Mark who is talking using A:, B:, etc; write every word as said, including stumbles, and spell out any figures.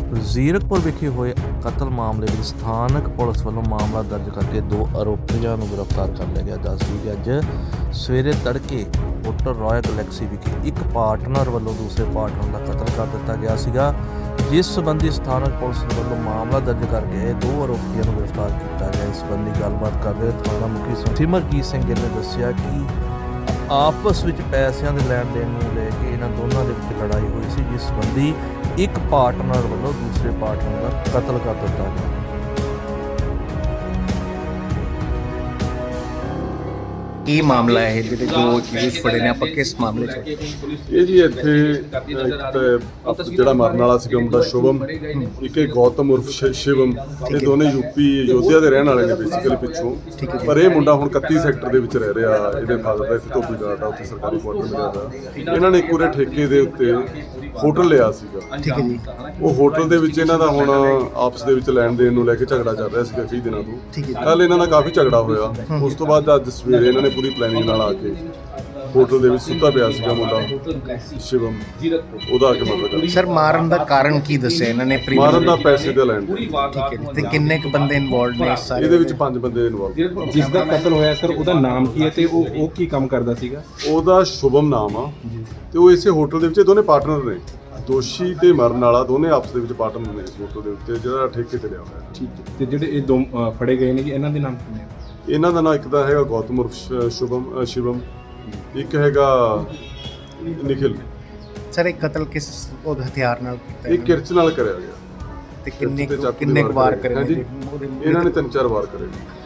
A: ਜ਼ੀਰਕਪੁਰ ਵਿਖੇ ਹੋਏ ਕਤਲ ਮਾਮਲੇ ਵਿੱਚ ਸਥਾਨਕ ਪੁਲਿਸ ਵੱਲੋਂ ਮਾਮਲਾ ਦਰਜ ਕਰਕੇ ਦੋ ਆਰੋਪੀਆਂ ਨੂੰ ਗ੍ਰਿਫਤਾਰ ਕਰ ਲਿਆ ਗਿਆ। ਦੱਸਦੀ ਕਿ ਅੱਜ ਸਵੇਰੇ ਤੜਕੇ ਹੋਟਲ ਰਾਇਲ ਗਲੈਕਸੀ ਵਿਖੇ ਇੱਕ ਪਾਰਟਨਰ ਵੱਲੋਂ ਦੂਸਰੇ ਪਾਰਟਨਰ ਦਾ ਕਤਲ ਕਰ ਦਿੱਤਾ ਗਿਆ ਸੀਗਾ, ਜਿਸ ਸੰਬੰਧੀ ਸਥਾਨਕ ਪੁਲਿਸ ਵੱਲੋਂ ਮਾਮਲਾ ਦਰਜ ਕਰਕੇ ਦੋ ਆਰੋਪੀਆਂ ਨੂੰ ਗ੍ਰਿਫਤਾਰ ਕੀਤਾ ਗਿਆ। ਇਸ ਸੰਬੰਧੀ ਗੱਲਬਾਤ ਕਰਦੇ ਥਾਣਾ ਮੁਖੀ ਸਿਮਰਜੀਤ ਸਿੰਘ ਗਿੱਲ ਨੇ ਦੱਸਿਆ ਕਿ ਆਪਸ ਵਿੱਚ ਪੈਸਿਆਂ ਦੇ ਲੈਣ ਦੇਣ ਨੂੰ ਲੈ ਕੇ ਇਹਨਾਂ ਦੋਨਾਂ ਦੇ ਵਿੱਚ ਲੜਾਈ ਹੋਈ ਸੀ, ਜਿਸ ਸੰਬੰਧੀ ਇੱਕ ਪਾਰਟਨਰ ਵੱਲੋਂ ਦੂਸਰੇ ਪਾਰਟਨਰ ਦਾ ਕਤਲ ਕਰ ਦਿੱਤਾ ਗਿਆ।
B: ਕੀ ਮਾਮਲਾ ਹੈ ਜਿਹਦੇ ਦੋ ਕੇਸ ਫੜੇ ਨੇ, ਆਪਾਂ ਕਿਸ ਮਾਮਲੇ 'ਚ?
C: ਇਹ ਜੀ ਇੱਥੇ ਇੱਕ ਤਾਂ ਜਿਹੜਾ ਮਰਨ ਵਾਲਾ ਸੀਗਾ ਮੁੰਡਾ ਸ਼ੁਭਮ, ਇੱਕ ਇਹ ਗੌਤਮ ਉਰਫ ਸ਼ਿ- ਸ਼ਿਵਮ, ਇਹ ਦੋਨੇ ਯੂਪੀ ਯੋਧਿਆ ਦੇ ਰਹਿਣ ਵਾਲੇ ਨੇ ਬੇਸਿਕਲੀ ਪਿੱਛੋਂ, ਪਰ ਇਹ ਮੁੰਡਾ ਹੁਣ ਇਕੱਤੀ ਸੈਕਟਰ ਦੇ ਵਿੱਚ ਰਹਿ ਰਿਹਾ। ਇਹਦੇ ਫਾਦਰ ਦਾ ਇੱਥੇ ਧੋਬੀ ਗਾਰਡ ਆ, ਉੱਥੇ ਸਰਕਾਰੀ ਕੁਆਟਰ ਮਿਲਿਆ ਦਾ। ਇਹਨਾਂ ਨੇ ਇੱਕ ਪੂਰੇ ਠੇਕੇ ਦੇ ਉੱਤੇ ਹੋਟਲ ਲਿਆ ਸੀਗਾ।
B: ਠੀਕ ਹੈ ਜੀ।
C: ਉਹ ਹੋਟਲ ਦੇ ਵਿੱਚ ਇਹਨਾਂ ਦਾ ਹੁਣ ਆਪਸ ਦੇ ਵਿੱਚ ਲੈਣ ਦੇਣ ਨੂੰ ਲੈ ਕੇ ਝਗੜਾ ਚੱਲ ਰਿਹਾ ਸੀਗਾ ਕਈ ਦਿਨਾਂ ਤੋਂ। ਕੱਲ ਇਹਨਾਂ ਦਾ ਕਾਫੀ ਝਗੜਾ ਹੋਇਆ। ਉਸ ਤੋਂ ਬਾਅਦ ਅੱਜ ਸਵੇਰੇ ਇਹਨਾਂ ਨੇ ਪੂਰੀ ਪਲੈਨਿੰਗ ਨਾਲ ਆ ਕੇ ਹੋਟਲ ਦੇ ਵਿੱਚ ਸੁੱਤਾ ਪਿਆ ਸੀਗਾ ਮੁੰਡਾ ਸ਼ਿਵਮ, ਉਹਦਾ ਆ ਕੇ ਮਰਡਰ ਕਰ ਦਿੱਤਾ।
B: ਸਰ, ਮਾਰਨ ਦਾ ਕਾਰਨ ਕੀ ਦੱਸਿਆ ਇਹਨਾਂ ਨੇ?
C: ਮਾਰਨ ਦਾ ਪੈਸੇ ਦਾ ਲੈਣ ਦੇਣ।
B: ਠੀਕ ਹੈ ਜੀ। ਤੇ ਕਿੰਨੇ ਕੁ ਬੰਦੇ ਇਨਵੋਲਡ ਨੇ ਇਸ ਸਾਰੇ?
C: ਇਹਦੇ ਵਿੱਚ ਪੰਜ ਬੰਦੇ ਇਨਵੋਲਵ।
D: ਜਿਸ ਦਾ ਕਤਲ ਹੋਇਆ ਸਰ, ਉਹਦਾ ਨਾਮ ਕੀ ਹੈ ਤੇ ਉਹ ਉਹ ਕੀ ਕੰਮ ਕਰਦਾ ਸੀਗਾ?
C: ਉਹਦਾ ਸ਼ੁਭਮ ਨਾਮ ਆ ਤੇ ਉਹ ਇਸੇ ਹੋਟਲ ਦੇ ਵਿੱਚ, ਇਹ ਦੋਨੇ ਪਾਰਟਨਰ ਨੇ। ਦੋਸ਼ੀ ਤੇ ਮਰਨ ਵਾਲਾ ਦੋਨੇ ਆਪਸ ਦੇ ਵਿੱਚ ਪਾਰਟਨਰ ਨੇ ਇਸ ਹੋਟਲ ਦੇ ਉੱਤੇ, ਜਿਹੜਾ ਠੇਕੇ ਤੇ ਲਿਆ ਹੋਇਆ।
D: ਠੀਕ ਹੈ। ਤੇ ਜਿਹੜੇ ਇਹ ਦੋ ਅ, ਫੜੇ ਗਏ ਨੇ, ਇਹਨਾਂ ਦੇ ਨਾਮ ਕੀ ਨੇ?
C: ਇਹਨਾਂ ਦਾ ਨਾਮ ਇੱਕ ਤਾਂ ਹੈਗਾ ਗੌਤਮ ਉਰਫ ਸ਼- ਸ਼ੁਭਮ ਅ, ਸ਼ਿਵਮ, ਇੱਕ ਹੈਗਾ ਨਿਖਿਲ।
B: ਸਰ, ਇਹ ਕਤਲ ਕਿਸ ਉਹ ਹਥਿਆਰ ਨਾਲ ਕੀਤਾ
C: ਇਹ ਕਿਰਚ ਨਾਲ ਕਰਿਆ ਗਿਆ।
B: ਤੇ ਕਿੰਨੇ
C: ਕਿਰਚ ਤੇ ਚਾਕੂ
B: ਕਿੰਨੇ ਕੁ
C: ਦੇ
B: ਵਾਰ
C: ਕਰੇ
B: ਕਰੇ
C: ਹਾਂਜੀ।
B: ਨੇ? ਉਹਦੇ
C: ਇਹਨਾਂ ਨੇ ਤਿੰਨ ਚਾਰ ਵਾਰ ਕਰੇ।